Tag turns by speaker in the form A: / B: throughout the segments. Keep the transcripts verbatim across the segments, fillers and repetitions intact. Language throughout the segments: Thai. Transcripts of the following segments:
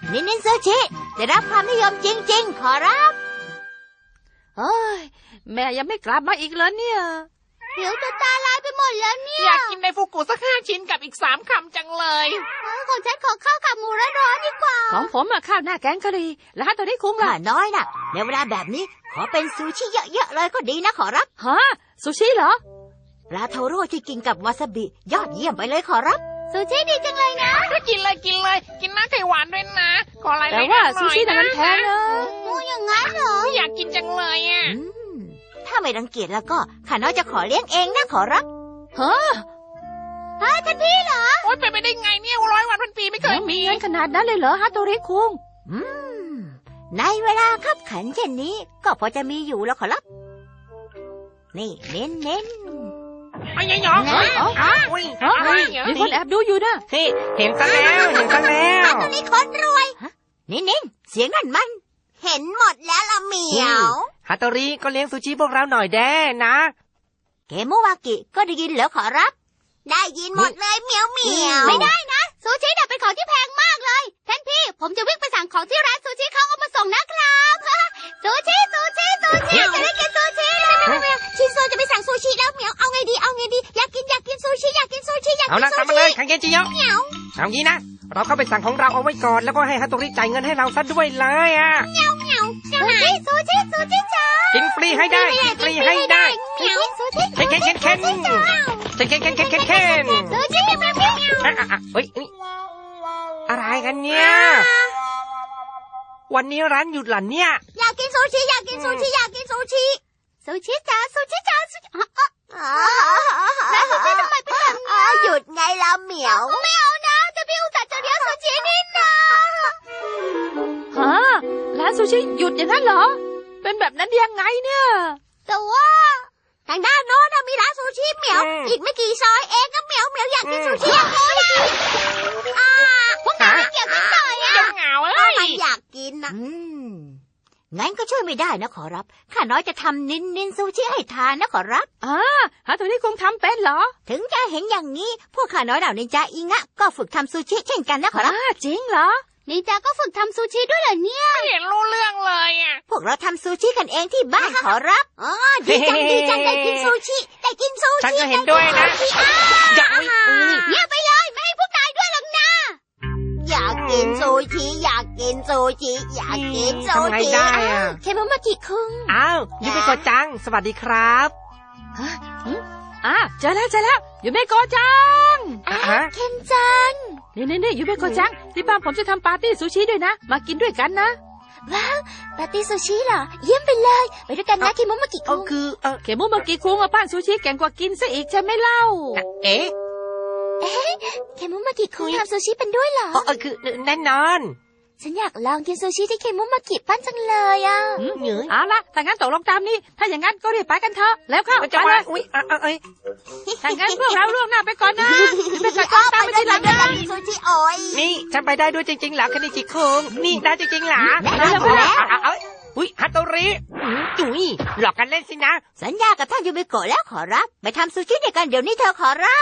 A: นินนินซูชิได้รับความนิยมจริงๆขอรับ
B: เฮ้ยแม่ยังไม่กลับมาอีกแล้วเนี่ย
A: เดี๋ยวจะตาลายไปหมดแล้วเนี่ย
C: อยากกินในฟูกุสักห้าชิ้นกับอีกสามคำจังเลย
A: ของฉันขอข้าวขาหมูร้อนๆดีกว่า
B: ของผมอะข้าวหน้าแกงกะหรี่แล้วฮะตัวนี้คุ้งล่ะ
A: น้อยน่ะในเวลาแบบนี้ขอเป็นซูชิเยอะๆเลยก็ดีนะขอรับ
B: ฮะซูชิเหรอ
A: ปลาโทโร่ที่กินกับวาซาบิยอดเยี่ยมไปเลยขอรับซูชิดีจังเลยนะ
C: กินเลยกินเลยกินน้ำไข่หวานด้วยนะขออะไร
B: แต่ว่าซูชิน่ะมันแพงนะ
A: โอ้อย่างงั้นเหรอ
C: อยากกินจังเลยอ่ะ
A: ถ้าไม่รังเกียจแล้วก็ข้าน้อยจะขอเลี้ยงเองนะขอรับ
B: ฮะ
A: ฮะท่านพี่เหรอ
C: โอ๊ยไปไปได้ไงเนี่ยร้อยวันพันปีไม่เคย
B: มีเงินขนาดนั้นเลยเหรอฮะโตริคุง
A: อืมในเวลาคับขันเช่นนี้ก็พอจะมีอยู่แล้วขอรับนี่เน้นเน้น
C: ไอ้ยังหยองเฮ้ยอุ้ย
B: มีคนแอบดูอยู่นะ
C: เฮ้เห็นซะแล้วเห็นซะแล้ว
A: ตอนนี้คนรวยเน้นเน้นเสียงนั่นมันเห็นหมดแล้วละเหมียว
C: ฮัตโตริก็เลี้ยงซูชิพวกเราหน่อยแด้นะ
A: เกโมวากิก็ได้ยินเหรอขอรับได้ยินหมดเลยเหมียวเหมียวไม่ได้นะซูชิน่ะเป็นของที่แพงมากเลยท่านพี่ผมจะวิ่งไปสั่งของที่ร้านซูชิเขาเอามาส่งนะครับซูชิซูชิซูชิจะได้กินซูชิชินโซจะไปสั่งซูชิแล้วเหมียวเอาไงดีเอาไงดีอยากกินอยากกินซูชิอยากกินซูชิอยากกินซูชิ
C: เอาละตามมาเลยคังเกจิโยะเอางี้นะเราเข้าไปสั่งของเราเอาไว้ก่อนแล้วก็ให้ฮัตโตริจ่ายเงินให้เราซะด้วยเลยอ่ะ
A: เหมียวเหมียวซูชิซูชิซูชิจ้า
C: กินฟรีให้ได้กินฟรีให้ได้
A: เหมียวซูชิ
C: เคนเคนเคนเคนเคนเคนเคนเคนเคน
A: ซูชิเหมียวเหมียว
C: เฮ้ยอะไรกันเนี่ยวันนี้ร้านหยุดหรอเนี่ย
A: อยากกินซูชิอยากกินซูชิอยากกินซูชิซูชิจ้าซูชิจ้าซูชิแล้วซูชิทำไมเป็นแบบนี้หยุดไงล่ะเหมียวไม่เอานะจะพี่อุตส่าห์จะเลี้ยงซูชินี่นะ
B: ฮะร้านซูชิหยุดอย่างนั้นเหรอเป็นแบบนั้นยังไงเนี่ย
A: แต่ว่าทางด้านโน้นมีร้านซูชิเหมียวอีกไม่กี่ซอยเองก็เหมียวเหมียวอยากกินซูชิอย่างนี้นะอ่าพวกนายไม่เกี่ยวกันหน่อยอ่ะ
C: เหงาเอ้
A: ยมันอยากกินนะงั้นก็ช่วยไม่ได้นะขอรับข้าน้อยจะทำนินนินซูชิให้ทานนะขอรับ
B: อ่าฮะตัวนี้คงทำเป็นเหรอ
A: ถึงจะเห็นอย่างนี้พวกข้าน้อยเหล่านินจาอิงะก็ฝึกทำซูชิเช่นกันนะขอรับ
B: จริงเหรอ
A: นินจาก็ฝึกทำซูชิด้วยเหรอเนี่ย
C: ไม่เห็นรู้เรื่องเลยอ่ะ
A: พวกเราทำซูชิกันเองที่บ้านขอรับอ๋อดีจังดีจังได้กินซูชิได้กินซูชิ
C: ฉันก็เห็นด้วยนะ
A: อย่าเงียบไปเลยไม่ให้พวกนายด้วยหรอกนะอยากกินซูชิอยากกินซูชิอยากกินซูชิเคโมมากิคุง
C: อ้าวยูเมโกะจังสวัสดีครับ
B: อ่าเจอแล้วเจอแล้วยูเมโกะจัง
A: เคนจัง
B: นี่นี่นี่ยูเมโกะจังที่บ้านผมจะทำปาร์ตี้ซูชิด้วยนะมากินด้วยกันนะ
A: ว้าวปาร์ตี้ซูชิเหรอเยี่ยมไปเลยไปด้วยกันนะเคโมมากิคุง
C: คือเออ
B: เคโมมากิคุงอ่ะปั้นซูชิแกงกว่ากินซะอีกใช่ไหมเล่า
C: เอ๊ะ
A: เอ๊ะเคโมมากิคุงทำซูชิเป็นด้วยเหรอ
C: เออคือแน่นอน
A: ฉันอยากลองกินซูชิที่เคโมมากิปั้นจังเลยอ่ะ
B: เอาละถ้างั้นตกลงตามนี้ถ้าอย่างงั้นก็รีบไปกันเถอะแล้วเข้าไปเลย
C: อุ้ยเอ้ย
B: ถ้างั้นพวกเราล่วงหน้าไปก่อนนะไปก่อนตามไปทีหลังนะ
A: ซูชิโอ้ย
C: นี่ฉันไปได้ด้วยจริงๆเหรอคณิจิคุงนี่ได้จริงๆเหรอ
A: ได้แล้ว
C: อุ้ยฮัตโตริจุ๋ยหลอกกันเล่นสินะ
A: สัญญากับท่านยูมิโกะแล้วขอรับไปทำซูชิด้วยกันเดี๋ยวนี้เธอขอรับ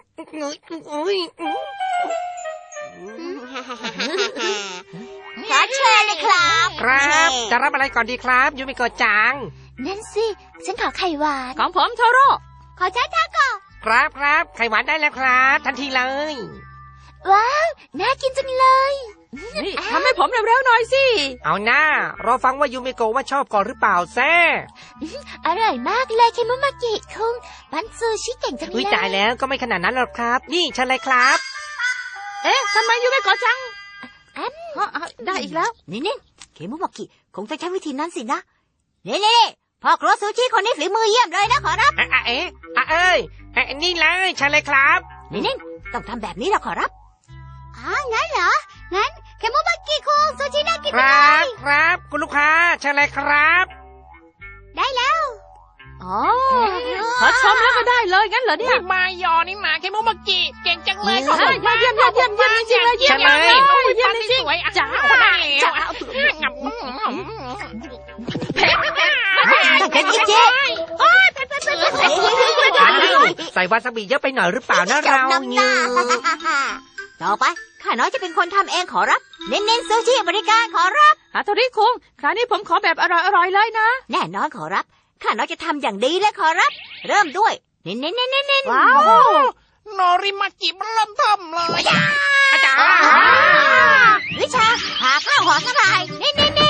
A: ขอเชิญเลยครับ
C: ครับจะรับอะไรก่อนดีครับยูมิโกะจัง
A: นั่นสิฉันขอไข่หวาน
B: ของผมโทโร่
A: ขอชาทาโกะ
C: ครับครับไข่หวานได้แล้วครับทันทีเลย
A: ว้าวน่ากินจังเลย
B: นี่ทำให้ผมเร็วๆหน่อยสิ
C: เอาหน้ารอฟังว่ายูมิโกะว่าชอบก่อนหรือเปล่าแซ่
A: อร่อยมากเลยเคโมมากิคุงปั้นซูชิเก่งจังเลย
C: อุ้ยตายแล้วก็ไม่ขนาดนั้นหรอกครับนี่เชิญเลยครับ
B: เอ๊ะทำไมยูมิโกะจังได้อีกแล้ว
A: นี่นี่เคโมมากิคงจะใช้วิธีนั้นสินะนี่นี่พ่อครัวซูชิคนนี้ฝีมือเยี่ยมเลยนะขอรับ
C: เอ๊ะเอ๊ะเอ้ยนี่เลยเชิญเลยครับ
A: นี่นี่ต้องทำแบบนี้นะขอรับอ๋องั้นเหรองั้นเคโมมากิคุงซูชิน่ากิน
C: ครับครับคุณลูกค้าเชิญเลยครับ
A: ได้แล้ว
B: อ๋อขอชมแล้วก็ได้เลยงั้นเหรอเนี่ย
C: มายอนี่มาเคโมมากิเก่งจังเลยขอบ
B: คุณมากเยี่ยมเยี่ยมเยี่ยมเยี่ยมจริงเลยเยี่ยมเลยเยี่ยมจริง
C: จ้าได้แล้วงับ
A: เป็นจริงจริง
C: ใส่วาซาบิเยอะไปหน่อยหรือเปล่านะเราเนี่ย
A: ต่อไปข้าข้าน้อยจะเป็นคนทำเองขอรับ เน้นๆซูชิบริการขอรับ
B: ฮัตโตริคุงคราวนี้ผมขอแบบอร่อยๆเลยนะ
A: แน่นอนขอรับ ข้าน้อยจะทำอย่างดีเลยขอรับ เริ่มด้วย เน้นๆๆๆๆ
B: ว้าว
D: โนริมาจิมันเริ่มทำเลย
C: อาจารย์
A: วิชาหาข้าวหอสลายเน้นๆๆ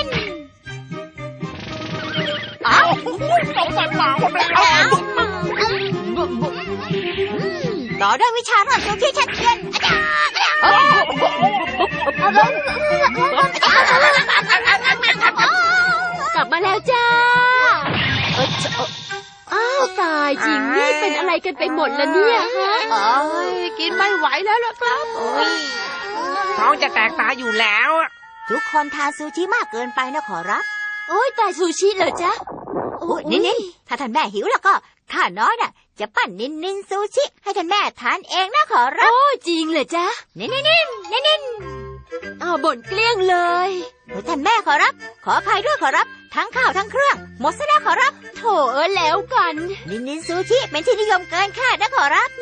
D: อ้าวต้องใส่หมาหมดแล้ว
A: ต่อด้วยวิชารอดซูชิชัดเจนอาจารย์กลับมาแล้วจ้าอ้าวตายจริงนี่เป็นอะไรกันไปหมดแล้วเนี่ยฮะ
B: เอ้ยกินไม่ไหวแล้วล่ะครับ
C: ท้องจะแตกตายอยู่แล้วอะ
A: ทุกคนทานซูชิมากเกินไปนะขอรับ โอ้ยแต่ซูชิเหรอจ๊ะโอ้ยนินๆถ้าท่านแม่หิวแล้วก็ข้าน้อยน่ะ จะปั้นนินนินซูชิให้ท่านแม่ทานเองนะขอรับโอ้จริงเหรอจ๊ะนินนินนินนินอ้าวบ่นเกลี้ยงเลยท่านแม่ขอรับ ขออภัยด้วยขอรับ ทั้งข้าวทั้งเครื่อง หมดซะแล้วขอรับ โถเออแล้วกัน นินนินซูชิเป็นที่นิยมเกินคาดนะขอรับ